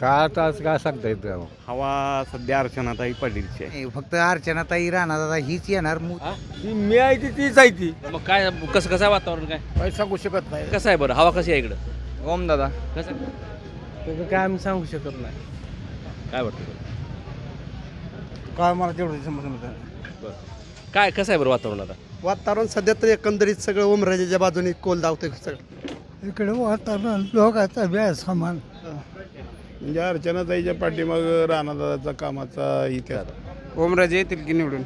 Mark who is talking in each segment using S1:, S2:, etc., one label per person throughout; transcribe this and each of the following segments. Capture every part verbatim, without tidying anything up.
S1: काय आता आज काय सांगता येतं.
S2: हवा सध्या अर्चनाताई पाटीलची आहे.
S3: नाही, फक्त अर्चनाताई राणा दादा हीच येणार मु-
S4: हा?
S1: ती मी आहे ती तीच आहे ती.
S4: मग काय कसं कसं आहे वातावरण काय
S1: काही सांगू शकत नाही.
S4: कसं आहे बरं हवा कशी आहे इकडं
S1: ओम दादा
S4: कसं
S1: त्याचं काय आम्ही सांगू शकत नाही.
S4: काय वाटतं
S5: काय मला तेवढं समजतं.
S4: बरं काय कसं आहे बरं वातावरण आता
S5: वातावरण सध्या तर एकंदरीत सगळं ओमराजेच्या बाजूने कोल धावतंय सगळं.
S6: इकडे वातावरण लोकांचा व्याज समान
S7: म्हणजे अर्चनाताईच्या पाठीमाग राणादादाचा कामाचा इतिहास.
S8: ओमराजे येतील की निवडून.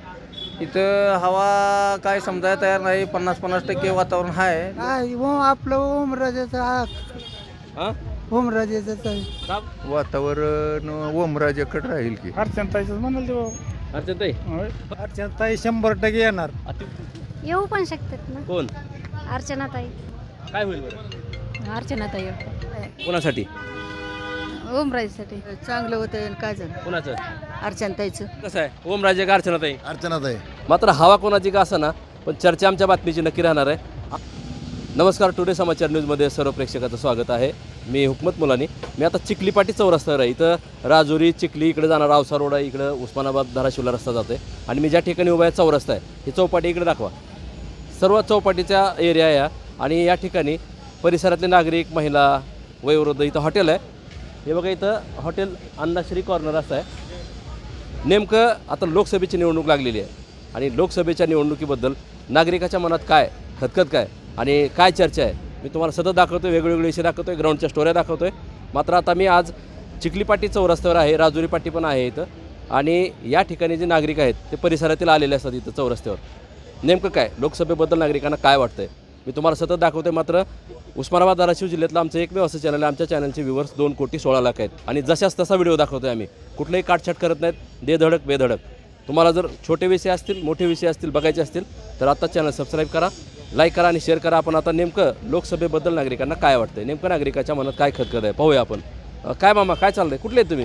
S8: इथं हवा काय समजायला तयार नाही. पन्नास पन्नास टक्के वातावरण आहे.
S6: काय ओम आपलं ओमराजेचा
S4: हां
S6: ओमराजेचा
S3: वातावरण ओमराजेकडे राहील की
S1: अर्चनाताईच म्हणाल ते
S4: अर्चनाताई
S1: अर्चनाताई शंभर टक्के येणार.
S9: येऊ पण शकतात ना
S4: कोण
S9: अर्चनाताई.
S4: काय होईल बरं
S9: अर्चनाताई
S4: कोणासाठी
S9: ओमराजेसाठी
S10: चांगलं होतं काय झालं
S4: कोणाचं
S10: अर्चनताईचं.
S4: कसं आहे ओमराजे का अर्चनाताई
S7: अर्चनाताई
S4: मात्र हवा कोणाची का ना पण चर्चा आमच्या बातमीची नक्की राहणार आहे. नमस्कार, टुडे समाचार न्यूजमध्ये सर्व प्रेक्षकाचं स्वागत आहे. मी हुकमत मुलानी. मी आता चिखलीपाटी चौरस्त्यावर आहे. इथं राजुरी चिखली इकडे जाणारा औसा रोड आहे, इकडं उस्मानाबाद धाराशिवला रस्ता जातो आहे आणि मी ज्या ठिकाणी उभा आहे चौरस्ता आहे ही चौपाटी इकडे दाखवा. सर्व चौपाटीचा एरिया आहे आणि या ठिकाणी परिसरातले नागरिक महिला वयोवृद्ध इथं हॉटेल आहे. हे बघा इथं हॉटेल अन्नाश्री कॉर्नर असं आहे. नेमकं आता लोकसभेची निवडणूक लागलेली आहे आणि लोकसभेच्या निवडणुकीबद्दल नागरिकाच्या मनात काय खतखत काय आणि काय चर्चा आहे मी तुम्हाला सतत दाखवतो आहे. वेगवेगळे विषय दाखवतो आहे, ग्राउंडच्या स्टोऱ्या दाखवतो आहे. मात्र आता मी आज चिखलीपाटी चौरस्त्यावर आहे. राजुरी पाटी पण आहे इथं आणि या ठिकाणी जे नागरिक आहेत ते परिसरातील आलेले असतात इथं चौरस्त्यावर. नेमकं काय लोकसभेबद्दल नागरिकांना काय वाटतं आहे मी तुम्हाला सतत दाखवतो आहे. मात्र उस्मानाबाद धाराशिव जिल्ह्यातलं आमचं एकमेव असं चॅनल आहे. आमच्या चॅनलचे व्ह्यूवर्स दोन कोटी सोळा लाख आहेत आणि जशाच तसा व्हिडिओ दाखवतो आहे आम्ही. कुठलंही काटछाट करत नाहीत, देधडक बेधडक. तुम्हाला जर छोटे विषय असतील मोठे विषय असतील बघायचे असतील तर आता चॅनल सबस्क्राईब करा, लाईक करा आणि शेअर करा. आपण आता नेमकं लोकसभेबद्दल नागरिकांना काय वाटतं नेमकं नागरिकाच्या मनात काय खतखत आहे पाहूया आपण. अं, काय मामा काय चाललंय कुठले आहेत तुम्ही?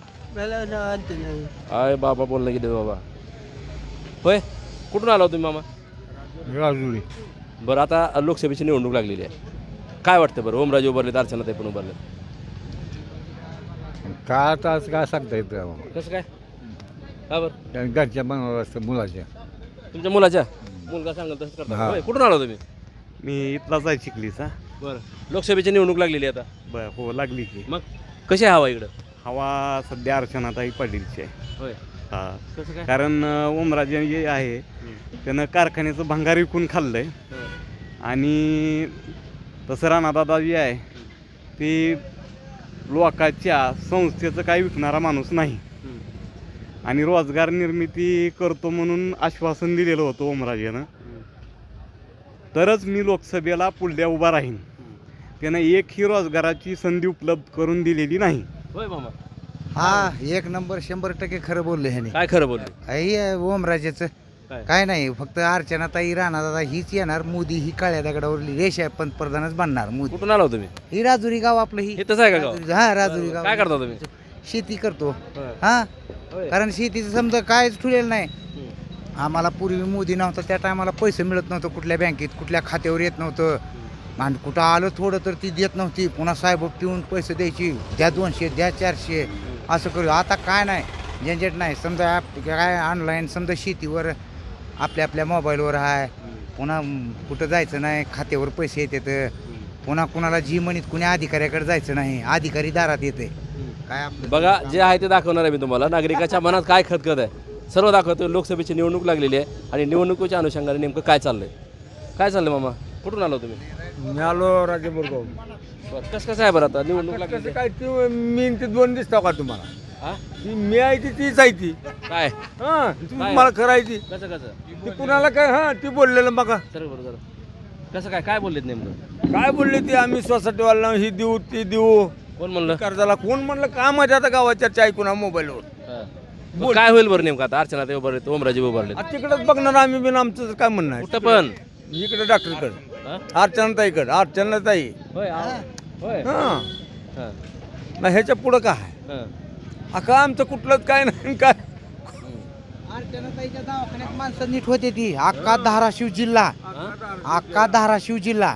S4: आय बाबा बोललं गेले बाबा. होय कुठून आला तुम्ही मामा?
S1: राजुरी.
S4: बरं आता लोकसभेची निवडणूक लागलेली आहे. काय वाटतं बरं ओमराजे उभारलेत अर्चनाताई पण उभारलेत
S1: काय आता आज काय सांगता येतं.
S4: कसं काय का बरं
S1: घरच्या बनवलं असतं मुलाच्या.
S4: तुमच्या मुलाच्या मुलगा सांगेल तसं करता
S1: हा.
S4: होय कुठून आला तुम्ही?
S2: मी इथलाच आहे चिखलीचा.
S4: बरं लोकसभेची निवडणूक लागलेली आहे आता
S2: बर हो लागली की.
S4: मग कशी आहे हवा इकडं?
S2: हवा सध्या अर्चनाताई पाटीलची आहे.
S4: होय
S2: हा
S4: कसं काय?
S2: कारण अं, ओमराजे जे आहे त्यानं कारखान्याचं भंगार विकून खाल्लंय आणि तसं राणादादा जे आहे ते लोकांच्या संस्थेचं काही विकणारा माणूस नाही आणि रोजगार निर्मिती करतो म्हणून आश्वासन दिलेलं होतं ओमराजेनं. तरच मी लोकसभेला पुढल्या उभा राहीन. त्यानं एकही रोजगाराची संधी उपलब्ध करून दिलेली नाही.
S4: होय मामा
S3: हा एक नंबर शंभर टक्के खरं बोलले ह्याने.
S4: काय खरं बोलले?
S3: हे ओमराजेचं
S4: काय?
S3: काय नाही फक्त अर्चनाताई राणा दादा हीच येणार. मोदी ही काळ्या दगडावरली रेष आहे, पंतप्रधानच बनणार मोदी.
S4: कुठून आला हो तुम्ही?
S3: ही राजुरी गाव आपलं ही
S4: हे तसं आहे का गाव?
S3: राजुरी- हा राजुरी गाव.
S4: काय करता तुम्ही?
S3: शेती करतो.
S4: होय.
S3: हा
S4: होय.
S3: कारण शेतीचं समजा कायच ठुलेलं नाही. आम्हाला पूर्वी मोदी नव्हता त्या टायमाला पैसे मिळत नव्हतं कुठल्या बँकेत कुठल्या खात्यावर येत नव्हतं आणि कुठं आलं थोडं तर ती देत नव्हती. पुन्हा साहेब ठेवून पैसे द्यायची, द्या दोनशे द्या चारशे असं करू. आता काय नाही झंझट नाही. समजा ॲप काय ऑनलाईन समजा शेतीवर आपल्या आपल्या मोबाईलवर आहे. पुन्हा कुठं जायचं नाही, खात्यावर पैसे येतात. पुन्हा कुणाला जी म्हणीत कुणी अधिकाऱ्याकडे जायचं नाही, अधिकारी दारात येते. काय आपलं
S4: बघा जे आहे ते दाखवणार आहे मी तुम्हाला. नागरिकाच्या मनात काय खतखत आहे सर्व दाखवतो. लोकसभेची निवडणूक लागलेली आहे आणि निवडणुकीच्या अनुषंगाने नेमकं काय चाललंय काय चाललंय मामा कुठून आलो तुम्ही?
S1: मी आलो राजेबुरगाव.
S4: बरं कसं कसं आहे बरं आता निवडणूक लागलेली
S1: कसं
S4: आहे?
S1: काय ती मी ते दोन दिसतो का तुम्हाला?
S4: हा?
S1: ती मी आहे ती तीच आहे ती.
S4: काय
S1: हा ती
S4: काय?
S1: मला करायची
S4: कसं कसं
S1: ती कुणाला काय. हा ती बोललेलं बघा
S4: सर बरं जरा कसं काय काय बोललेत नेमकं?
S1: काय बोलले ती आम्ही सोसायटीवाला ही देऊ ती देऊ
S4: कोण म्हणलं?
S1: कर्जाला कोण म्हणलं काय माझ्या आता गावाच्या चर्चा ऐकून मोबाईलवर.
S4: हा. मग काय होईल बरं नेमकं आता अर्चना ते उभारले ओमराजे उभारले
S1: आता तिकडेच बघणार आम्ही बिन आमचं काय म्हणणं आहे.
S4: कुठं पण
S1: इकडे डॉक्टरकडे
S4: हा?
S1: अर्चनाताईकडे अर्चनाताई.
S4: होय आ- होय
S1: हा
S4: हा.
S1: मग ह्याच्या पुढं काय
S4: हा.
S1: अका आमचं कुठलंच काय नाही काय.
S3: अर्चनाताईच्या दवाखान्यात माणसं नीट होते ती. अख्खा धाराशिव जिल्हा अख्खा धाराशिव जिल्हा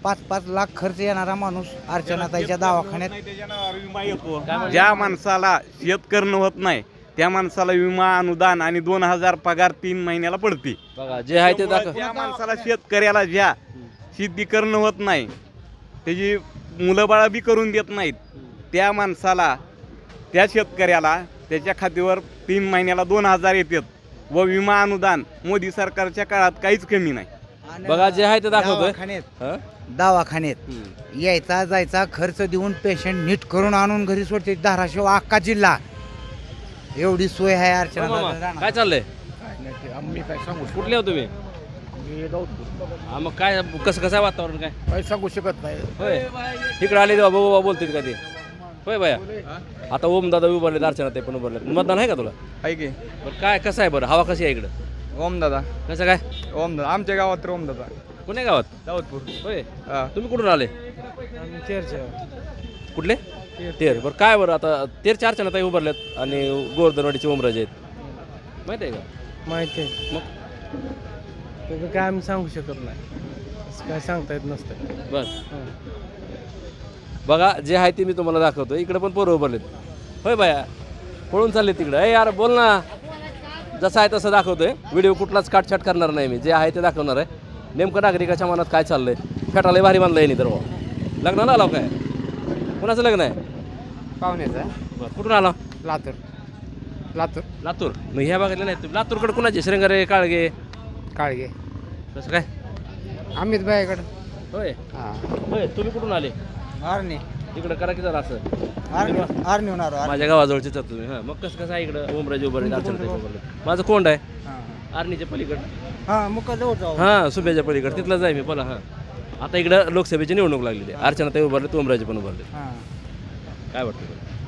S3: पाच पाच लाख खर्च येणारा माणूस अर्चनाताईच्या दवाखान्यात
S2: ज्या माणसाला शेत करणं होत नाही त्या माणसाला विमा अनुदान आणि दोन हजार पगार तीन महिन्याला पडते.
S4: बघा जे आहे ते दाखव.
S2: त्या माणसाला शेतकऱ्याला ज्या शेती करणं होत नाही त्याची मुलं बाळा बी करून देत नाहीत त्या माणसाला त्या शेतकऱ्याला त्याच्या खात्यावर तीन महिन्याला दोन हजार येतात व विमा अनुदान मोदी सरकारच्या काळात काहीच कमी नाही.
S3: आणि
S4: बघा जे आहे ते दाखवतोय.
S3: दवाखान्यात
S4: हं?
S3: दवाखान्यात यायचा जायचा खर्च देऊन पेशंट नीट करून आणून घरी सोडते. धाराशिव अख्खा जिल्हा एवढी सोय आहे
S4: हो
S3: अर्चना
S4: मामा, काय चाललंय?
S5: आम्ही काय सांगू
S4: कुठले हो तुम्ही? हा, मग काय कसं कसं आहे वातावरण काय?
S5: काय सांगू शकत नाही.
S4: होय इकडे आले तेव्हा बाबा बोलतील का ते? होय बाया आता ओम दादा उभारले अर्चना ते पण उभारले. मतदान आहे का तुला?
S1: आहे की
S4: बरं काय कसं आहे बरं हवा कशी आहे इकडं?
S1: ओम दादा
S4: कसं काय?
S1: ओम दादा आमच्या गावात तर ओम दादा
S4: कुण्या गावात?
S1: दाऊदपूर.
S4: होय
S1: हा.
S4: तुम्ही कुठून आले? कुठले? तेर. बरं काय बरं आता तेरच्या अर्चना ताई उभारल्यात आणि गोवर्धनवाडीचे ओमराजे आहेत माहिती आहे का?
S8: माहिती आहे
S4: मग
S8: त्याचं काय आम्ही सांगू शकत नाही, असं काय सांगता येत नसतं.
S4: बरं बघा जे आहे ते मी तुम्हाला दाखवतो. इकडे पण पोरं उभारलेत. होय बाया पळून चालले तिकडं. ए यार बोल ना. जसं आहे तसं दाखवतोय. व्हिडिओ कुठलाच काटछाट करणार नाही मी. जे आहे ते दाखवणार आहे. नेमकं नागरिकाच्या मनात काय चाललंय. फेटाला भारी बांधलं आहे नाही तर भाऊ लग्नाला आला काय? कुणाचं लग्न आहे?
S5: पाहुण्याचा
S4: बरं कुठून आला?
S5: लातूर लातूर
S4: लातूर. मग ह्या भागातले नाही तुम्ही लातूरकडे कुणाचे? श्रंगारे काळगे
S5: काळगे
S4: कसं काय?
S5: अमित भाईकडं.
S4: होय
S5: हां
S4: होय तुम्ही कुठून आले?
S3: आर्नी
S4: इकडं करा की जरा असं
S3: आर्नी आर्नी होणार
S4: माझ्या गावाजवळचेच आहात तुम्ही. हां मग कसं कसं आहे इकडं ओमराजे उभारले अर्चना ताई उभारले. माझं कोंड आहे आर्नीच्या पलीकडं.
S3: हां मुका जवळ जाऊ.
S4: हां सुभ्याच्या पलीकडं तिथलं जाय मी बोला. हां आता इकडं लोकसभेची निवडणूक लागलेली आहे. अर्चना ताई उभारले ओमराजे पण उभारले.
S3: हां
S4: काय वाटतं?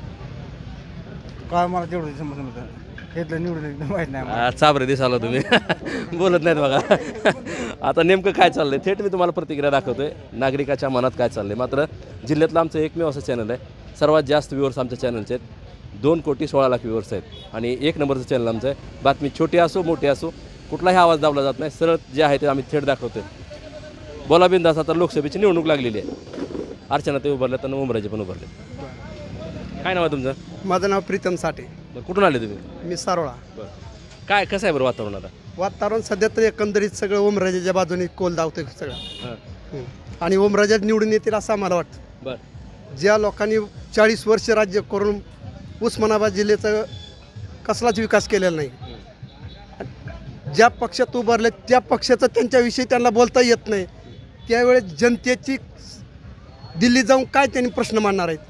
S3: काय मला तेवढं समजलं घेतलं निवडून एकदम माहीत नाही मला.
S4: आ, चाबरे दिसाला तुम्ही बोलत नाहीत बघा. आता नेमकं काय चाललंय थेट मी तुम्हाला प्रतिक्रिया दाखवतोय. नागरिकाच्या मनात काय चाललंय. मात्र जिल्ह्यातलं आमचं एकमेव असं चॅनल आहे. सर्वात जास्त व्ह्यूअर्स आमच्या चॅनलचे आहेत. दोन कोटी सोळा लाख व्ह्यूअर्स आहेत आणि एक नंबरचं चॅनल आमचं आहे. बातमी छोटी असो मोठी असो कुठलाही आवाज दाबला जात नाही. सरळ जे आहे ते आम्ही थेट दाखवतोय. बोला बिंदास. आता लोकसभेची निवडणूक लागलेली आहे. अर्चना ते उभारले तर ओमराजे पण उभारले. काय नाव आहे तुमचं?
S5: माझं नाव प्रीतम साठे.
S4: बरं, कुठून आले तुम्ही?
S5: मी सारोळा.
S4: बरं काय कसं आहे बरं वातावरण आता?
S5: वातावरण सध्या तर एकंदरीत सगळं ओमराजेच्या बाजूने कोल धावतंय सगळं.
S4: हां
S5: हं. आणि ओमराजे निवडून येतील असं आम्हाला वाटतं.
S4: बरं
S5: ज्या लोकांनी चाळीस वर्ष राज्य करून उस्मानाबाद जिल्ह्याचा कसलाच विकास केलेला नाही. ज्या पक्षात उभारले त्या पक्षाचं त्यांच्याविषयी त्यांना बोलता येत नाही. त्यावेळेस जनतेची दिल्ली जाऊन काय त्यांनी प्रश्न मांडणार आहेत.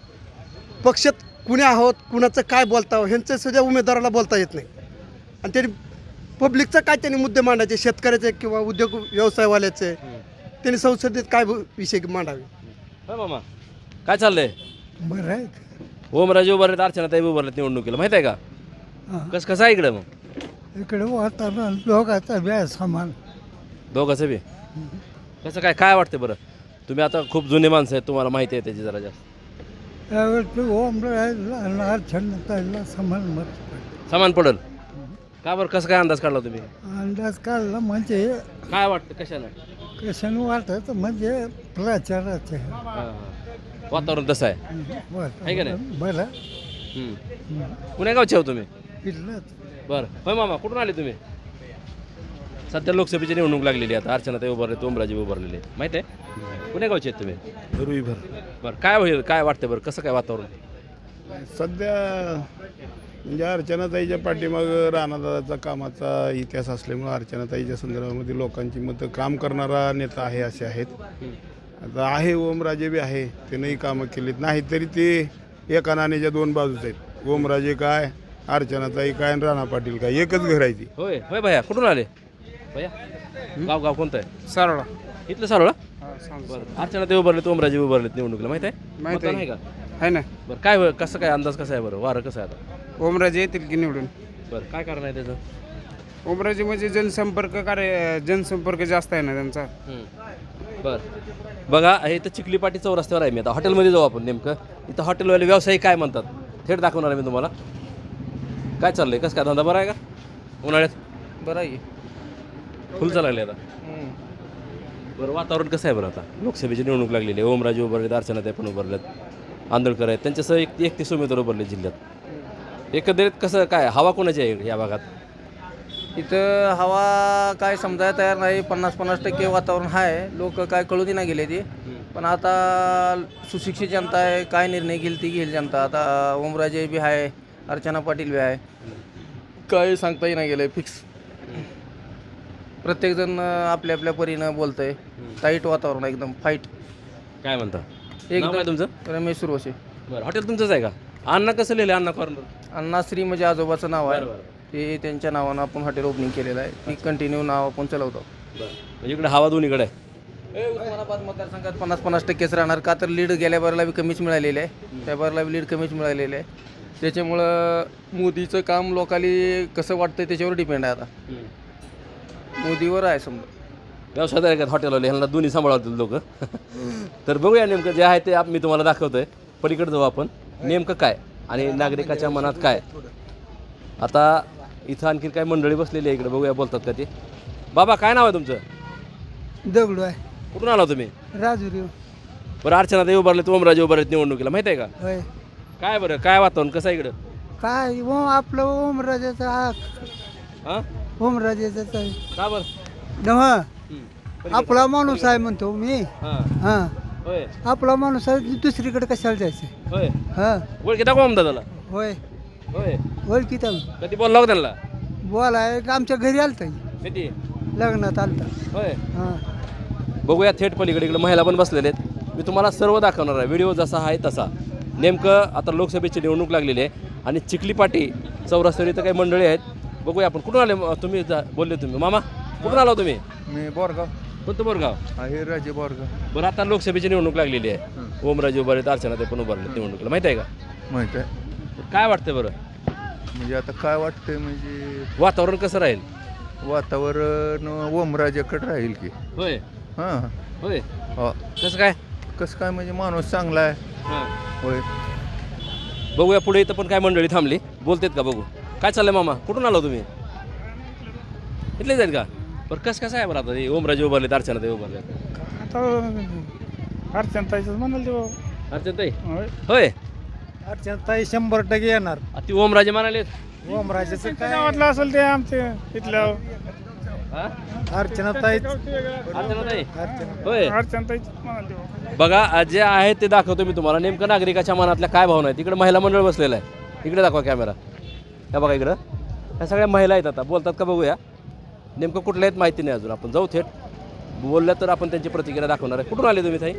S5: पक्षात कुणी आहोत कुणाचं काय बोलता ह्यांचं सुद्धा उमेदवाराला बोलता येत नाही. आणि त्यांनी पब्लिकचं काय त्यांनी मुद्दे मांडायचे शेतकऱ्याचे किंवा उद्योग व्यवसायवाल्याचे त्यांनी संसदेत काय विषय मांडावे.
S4: होय मामा काय चाललंय?
S6: बरं आहे.
S4: ओमराजे उभारलेत अर्चना ताई उभारलेत निवडणुकीला माहिती आहे का?
S6: हां.
S4: कसं कसं आहे इकडं मग?
S6: इकडे वातावरण लोकांचा व्याज समान.
S4: दोघांचं बी कसं काय काय वाटतं बरं? तुम्ही आता खूप जुने माणसं आहेत तुम्हाला माहिती आहे त्याची जरा जास्त.
S6: त्यावेळेस ओमराजेला अर्चनाताईला समान मत पडलं.
S4: समान पडल का बरं? कसं काय अंदाज काढला तुम्ही?
S6: अंदाज काढला म्हणजे
S4: काय वाटतं कशानं?
S6: कशानं वाटत म्हणजे प्रचाराचे
S4: हां, हां. वातावरण तसं आहे आहे का नाही?
S6: बरं
S4: हम्म. पुण्या गावचे हो तुम्ही?
S6: इथलंच.
S4: बरं होय मामा कुठून आले तुम्ही? सध्या लोकसभेची निवडणूक लागलेली आहे. आता अर्चना ताई उभारले ओमराजे उभारलेले माहिती आहे? पुण्या गावचे आहेत तुम्ही?
S7: रुईभर.
S4: बरं काय होईल काय वाटतं बरं कसं काय वातावरण?
S7: सध्या म्हणजे अर्चनाताईच्या पाठीमागं राणादादाचा कामाचा इतिहास असल्यामुळं अर्चनाताईच्या संदर्भामध्ये लोकांची मतं काम करणारा नेता आहे असे आहेत. आता आहे ओमराजे बी आहे त्यानंही कामं केलीत नाही तरी ते एका नाण्याच्या दोन बाजूच आहेत. ओमराजे काय अर्चनाताई काय आणि राणा पाटील काय एकच घर आहे ती.
S4: होय होय भैया कुठून आले भैया? गाव गाव कोणतं आहे?
S5: सारोळा.
S4: इथलं सारोळा. बरं अर्चना ते उभारलेत ओमराजे उभारलेत निवडणुकीला माहिती आहे?
S5: माहिती
S4: मतदान आहे का?
S5: आहे ना.
S4: बरं काय होय- कसं काय अंदाज कसा आहे बरं? वारं कसं आहे आता?
S5: ओमराजे येतील की निवडून.
S4: बरं काय कारण आहे त्याचं?
S5: ओमराजे म्हणजे जनसंपर्क कार्य जनसंपर्क जास्त आहे ना त्यांचा.
S4: हम्म. बरं बघा हे इथं चिखलीपाटी चौरस्त्यावर आहे मी आता हॉटेलमध्ये जाऊ आपण. नेमकं इथं हॉटेलवाले व्यावसायिक काय म्हणतात थेट दाखवणार आहे मी तुम्हाला. काय चाललंय कसं काय धंदा बरा आहे का उन्हाळ्यात?
S8: बरं आहे.
S4: फुल चालू लागले आता. बरं वातावरण कसं आहे बरं आता लोकसभेची निवडणूक लागलेली आहे. ओमराजे उभारलेत, अर्चनाताई पण उभारलेत, आंदोळकर आहेत, त्यांच्यासह एक एकतीस उमेदवार उभारले जिल्ह्यात. एकंदरीत कसं काय हवा कोणाची आहे या भागात?
S8: इथं हवा काय समजायला तयार नाही. पन्नास पन्नास टक्के वातावरण आहे. लोक काय कळू ना गेले ते, पण आता सुशिक्षित जनता आहे. काय निर्णय घेईल ती घेईल जनता. आता ओमराजे बी आहे, अर्चना पाटील बी आहे. काय सांगताही नाही गेलं फिक्स. प्रत्येकजण आपल्या आपल्या परीनं बोलतं आहे. टाईट वातावरण आहे, एकदम फाईट.
S4: काय म्हणता नाव
S8: एकदम
S4: काय तुमचं?
S8: रमेश सुरवशे.
S4: बरं हॉटेल तुमचंच आहे का? अण्णा कसं लिहिलं अण्णा कॉर्नर?
S8: अण्णाश्री म्हणजे आजोबाचं नाव आहे.
S4: बरं,
S8: ते त्यांच्या नावानं आपण हॉटेल ओपनिंग केलेलं आहे. ती कंटिन्यू नाव आपण चालवतो.
S4: बरं म्हणजे इकडे हवा दोन्हीकडे आहे.
S8: हे उस्मानाबाद मतदारसंघात पन्नास पन्नास टक्केच राहणार. का तर लीड गेल्या बारला बी कमीच मिळालेलं आहे. त्या बारला बी लीड कमीच मिळालेलं आहे. त्याच्यामुळं मोदीचं काम लोकाली कसं वाटतं त्याच्यावर डिपेंड आहे. आता मोदीवर आहे समजा.
S4: व्यवसाय आहे का हॉटेलवाले ह्यांना दोन्ही सांभाळतील लोक. तर बघूया नेमकं जे आहे ते आप मी तुम्हाला दाखवतो आहे. पलीकडे जाऊ आपण. नेमकं काय आणि नागरिकाच्या मनात काय. आता इथं आणखीन काय मंडळी बसलेली आहे इकडे, बघूया बोलतात का ते. बाबा काय नाव आहे तुमचं?
S6: दगडू आहे.
S4: कुठून आला तुम्ही?
S6: राजुरी.
S4: बरं अर्चनाताई उभारलेत, ओमराजे उभारलेत निवडणुकीला, माहिती आहे का?
S6: होय.
S4: काय बरं काय वातावरण कसं आहे इकडं?
S6: काय ओ आपलं ओमराजेचा
S4: हां
S6: ओमराजेचा
S4: का बरं?
S6: नव्ह आपला माणूस आहे म्हणतो मी.
S4: हां
S6: हां
S4: होय
S6: आपला माणूस आहे, दुसरीकडे कशाला जायचं.
S4: होय
S6: हां
S4: ओळखी दाखवा अहमदादाला.
S6: होय
S4: होय
S6: ओळखीत
S4: कधी बोलला हो त्यांना?
S6: बोलाय आमच्या घरी आलता
S4: कधी?
S6: लग्नात आलता.
S4: होय
S6: हां
S4: बघूया थेट पलीकडे इकडे महिला पण बसलेले आहेत. मी तुम्हाला सर्व दाखवणार आहे. व्हिडिओ जसा आहे तसा. नेमकं आता लोकसभेची निवडणूक लागलेली आहे आणि चिखली पाटी चौरस्त्यावर इथं काही मंडळी आहेत. बघूया आपण. कुठून आले तुम्ही? जा बोलले तुम्ही. मामा कुठून आला तुम्ही?
S1: मी बोरगाव
S4: कोणतं बोरगाव?
S1: आहे राजे बोरगाव.
S4: बरं आता लोकसभेची निवडणूक लागलेली आहे. ओमराजे उभारलेत, अर्चनाताई पण उभारलेत निवडणुकीला, माहिती आहे का?
S1: माहित आहे.
S4: काय वाटतं बरं
S1: म्हणजे आता काय वाटतंय म्हणजे
S4: वातावरण कसं राहील?
S1: वातावरण ओमराजेकडे राहील की.
S4: होय
S1: हां
S4: होय
S1: हो.
S4: कसं काय?
S1: कसं काय म्हणजे माणूस चांगला आहे.
S4: हां
S1: होय.
S4: बघूया पुढे इथं पण काय मंडळी थांबली, बोलतेत का बघू. काय चाललंय मामा? कुठून आलो तुम्ही? इथलेच आहेत का? बरं कसं कसं आहे बरं आता हे ओमराजे उभारलेत, अर्चनाताई उभारलेत?
S7: आता अर्चनाताईच म्हणाल ते.
S4: अर्चनाताई होय
S6: अर्चनाताई शंभर टक्के येणार.
S4: आ, ती ओमराजे म्हणालेत.
S6: ओमराजेचं काय
S7: वाटलं असेल ते आमचे इथल्या
S4: हां
S6: अर्चनाताई
S4: अर्चनाताई होय
S7: अर्चनाताईच म्हणाल ते.
S4: बघा आज जे आहे ते दाखवतो मी तुम्हाला. नेमकं नागरिकाच्या मनातल्या काय भावना आहेत. इकडे महिला मंडळ बसलेलं आहे. इकडे दाखवा कॅमेरा. त्या बघा इकडं ह्या सगळ्या महिला आहेत. आता बोलतात का बघूया. नेमकं कुठल्या आहेत माहिती नाही अजून. आपण जाऊ थेट. बोलल्या तर आपण त्यांची प्रतिक्रिया दाखवणार आहे. कुठून आले तुम्ही ताई?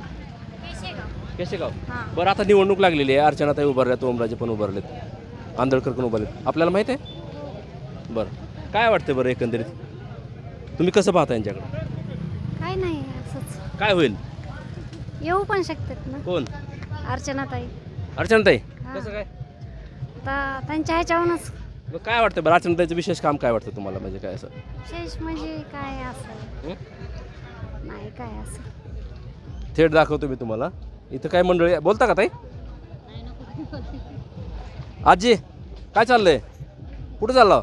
S4: केशेगाव. बरं आता निवडणूक लागलेली आहे. अर्चनाताई उभारल्यात, ओमराजे पण उभारलेत, आंदोळकर पण उभारलेत. आपल्याला माहिती आहे? बरं काय वाटतं बरं एकंदरीत तुम्ही कसं पाहता यांच्याकडे?
S9: काय नाही असंच
S4: काय होईल?
S9: येऊ पण शकतात ना.
S4: कोण?
S9: अर्चनाताई.
S4: अर्चनाताई
S9: हां.
S4: कसं काय?
S9: आता त्यांच्या ह्याच्यावरूनच
S4: मग काय वाटतं बरं अर्चनाताईचं विशेष काम काय वाटतं तुम्हाला? म्हणजे काय असं
S9: विशेष म्हणजे काय असं नाही काय असं.
S4: थेट दाखवतो मी तुम्हाला. इथं काय मंडळी आहे. बोलता का ताई? आजी काय चाललंय? कुठं चालला?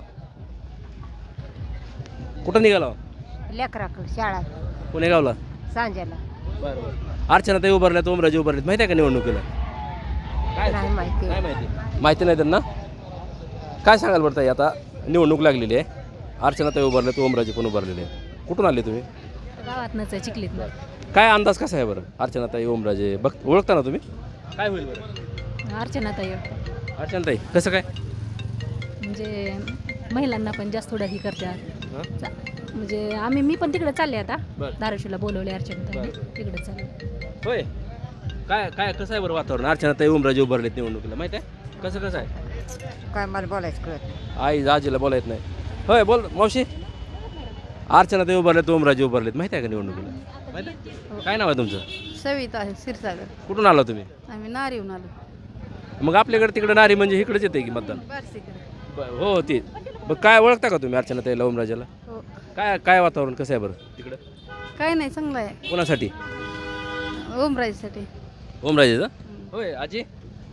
S4: कुठं निघाला?
S10: लेकराकडं शाळा
S4: पुणेगावला.
S10: सांजेला.
S4: बरं बरं अर्चनाताई उभारल्यात, ओमराजे उभारलेत, माहिती आहे का निवडणुकीला? काय
S10: नाही माहिती.
S4: काय माहिती? माहिती नाही त्यांना. काय सांगाल बरं ताई? आता निवडणूक लागलेली आहे. अर्चनाताई उभारलेत, ओमराजे पण उभारलेले आहेत. कुठून आले तुम्ही?
S10: गावातनंच आहे, चिखलीतनं.
S4: काय अंदाज कसा आहे बरं? अर्चनाताई, ओमराजे बघ ओळखता ना तुम्ही? काय होईल बरं?
S10: अर्चनाताई
S4: अर्चनाताई कसं काय?
S10: म्हणजे महिलांना पण जास्त थोडं ही करतात.
S4: हां?
S10: चा- म्हणजे आम्ही मी पण तिकडे चालले आता.
S4: बरं.
S10: धाराशिवला बोलवले अर्चनाताई, तिकडे चालले.
S4: होय काय काय कसं आहे बरं वातावरण? अर्चनाताई, ओमराजे उभारलेत निवडणुकीला, माहिती आहे कसं कसं आहे?
S10: काय मला बोलायचं कळत.
S4: आई आजीला बोलायत नाही. होय बोल मावशी. अर्चनाताई उभारलेत, ओमराजे उभारलेत, माहिती आहे का निवडणुकीला? माहिती आहे? काय नाव आहे तुमचं?
S10: सविता आहे, क्षीरसागर.
S4: कुठून आला तुम्ही?
S10: आम्ही नारी येऊन आलो.
S4: मग आपल्याकडे तिकडे नारी म्हणजे इकडेच येते की मतदान? बरं, हो ते. मग काय ओळखता का तुम्ही अर्चनाताईला, ओमराजेला?
S10: हो.
S4: काय काय वातावरण कसं आहे बरं तिकडं?
S10: काय नाही चांगलं आहे.
S4: कोणासाठी?
S10: ओमराजेसाठी.
S4: ओमराजेचा होय. आजी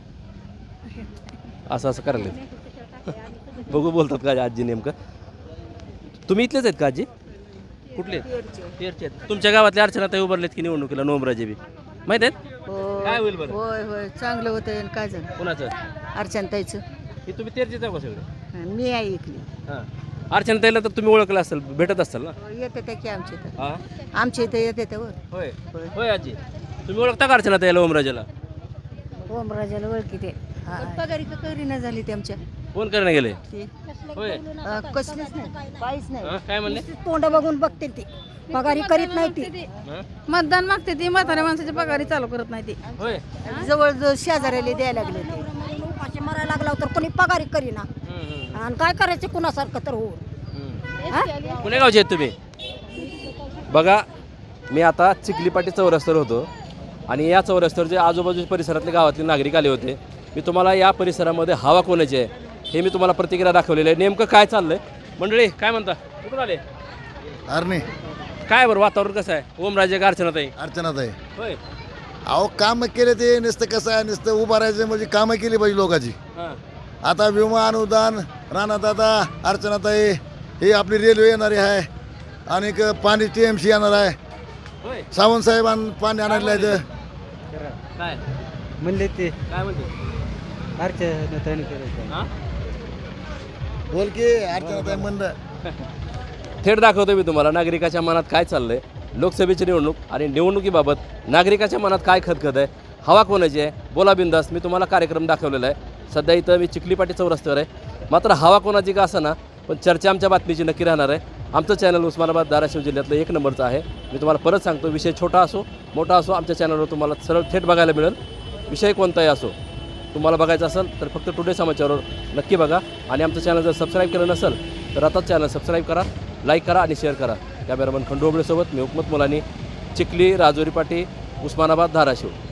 S4: असं असं करायला बघू बोलतात का आजी नेमकं? तुम्ही इथलेच आहेत का आजी? कुठले तेरचे आहेत. तुमच्या गावातल्या अर्चनाताई उभारलेत की निवडणुकीला नोमराजे बी माहित आहेत काय होईल बरं
S6: होय होय चांगलं होतं काय झालं
S4: कोणाचं
S6: अर्चनताईचं
S4: हे तुम्ही तेरचे जाऊ का सगळे
S6: मी ऐकली
S4: हां अर्चनाताईला तर तुम्ही ओळखलं असेल भेटत असाल ना
S6: येते त्या की आमच्या इथं
S4: हां
S6: आमच्या इथं येते त्यावर
S4: होय होय आजी तुम्ही ओळखता का अर्चनाताईला ओमराजेला
S6: ओमराजाला ओळखी ते पगारी का करी नाही झाली ते आमच्या
S4: फोन करायला गेले होय
S6: कसलीच नाही काहीच नाही
S4: हां काय म्हणले
S6: तोंड बघून बघते ती पगारी करीत नाही ती
S4: हां
S10: मतदान मागते ती म्हाताऱ्या माणसाची पगारी चालू करत नाही ती
S4: होय
S6: जवळ जवळ शेजाऱ्याला द्यायला लागले ते उपाशी मरायला लागला तर कोणी पगारी करीना
S4: हम्म, हम्म,
S6: आणि काय करायचं कुणासारखं तर होऊन
S4: हम्म. पुणे गावचे आहेत तुम्ही बघा मी आता चिखलीपाटी चौरस्त्यावर होतो आणि या चौरस्त्यावर जे आजूबाजूच्या परिसरातले गावातले नागरिक आले होते मी तुम्हाला या परिसरामध्ये हवा कोणाची आहे हे मी तुम्हाला प्रतिक्रिया दाखवलेली आहे नेमकं काय चाललंय मंडळी काय म्हणता कुठून आले
S11: अरे
S4: काय बरं वातावरण कसं आहे ओमराजे का अर्चनाताई
S11: अर्चनात आहे
S4: होय
S11: अहो काम केले ते नुसतं कसं आहे नुसतं उभं राहायचं म्हणजे कामं केली पाहिजे लोकांची
S4: हां
S11: आता विमा अनुदान राणादादा अर्चनाताई ही आपली रेल्वे येणारी आहे आणि क- पाणी टी एम सी येणार आहे
S4: होय
S11: सावंत साहेबां पाणी आणायला इथं
S4: काय
S3: म्हणले ते
S4: काय म्हणते
S3: अर्चनाताईने करायचं
S4: हां
S11: बोल की अर्चनाताई म्हणलं
S4: थेट दाखवतो मी तुम्हाला नागरिकाच्या मनात काय चाललंय लोकसभेची निवडणूक आणि निवडणुकीबाबत नागरिकाच्या मनात काय खतखत आहे हवा कोणाची आहे बोला बिंदास मी तुम्हाला कार्यक्रम दाखवलेला आहे सध्या इथं मी चिखलीपाटी चौरस्त्यावर आहे मात्र हवा कोणाची का असं ना पण चर्चा आमच्या बातमीची नक्की राहणार आहे आमचं चॅनल उस्मानाबाद धाराशिव जिल्ह्यातलं एक नंबरचं आहे मी तुम्हाला परत सांगतो विषय छोटा असो मोठा असो आमच्या चॅनलवर तुम्हाला सरळ थेट बघायला मिळेल विषय कोणताही असो तुम्हाला बघायचं असेल तर फक्त टुडे समाचारवर नक्की बघा आणि आमचं चॅनल जर सबस्क्राईब केलं नसेल तर आताच चॅनल सबस्क्राईब करा लाईक करा आणि शेअर करा कॅमेरामन खंडू ओबळेसोबत मी हुकमत मुलानी चिखली राजुरी पाटी उस्मानाबाद धाराशिव